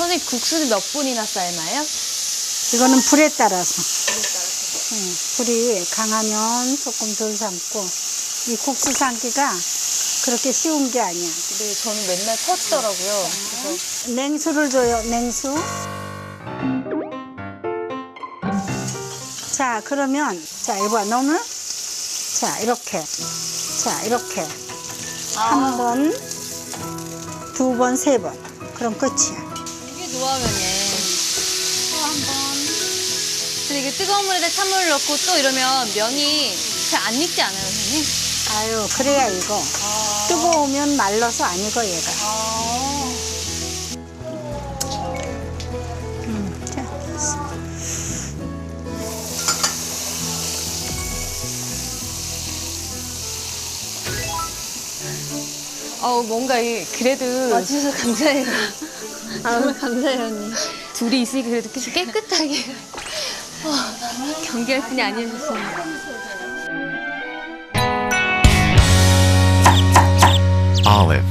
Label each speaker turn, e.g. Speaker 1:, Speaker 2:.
Speaker 1: 선생님 국수는 몇 분이나 삶아요?
Speaker 2: 이거는 불에 따라서. 불이 강하면 조금 덜 삶고, 이 국수 삶기가 그렇게 쉬운 게 아니야.
Speaker 1: 네, 저는 맨날 터지더라고요. 그래서
Speaker 2: 냉수를 줘요, 냉수. 자, 그러면, 자, 이거 너무, 자, 이렇게. 자, 이렇게. 한 번, 두 번, 세 번. 그럼 끝이야.
Speaker 1: 이게 노하면이에요. 또 한 번. 근데 이게 뜨거운 물에다 찬물을 넣고 또 이러면 면이 잘 안 익지 않아요, 선생님?
Speaker 2: 아유, 그래야 이거. 뜨거우면 말라서 안 익어, 얘가. 자, 됐어.
Speaker 1: 뭔가 그래도 와주셔서 감사해요. 정말 감사해요, 언니. 둘이 있으니까 그래도 계속 깨끗하게 경계할 뿐이 아니었습니다.
Speaker 3: Olive.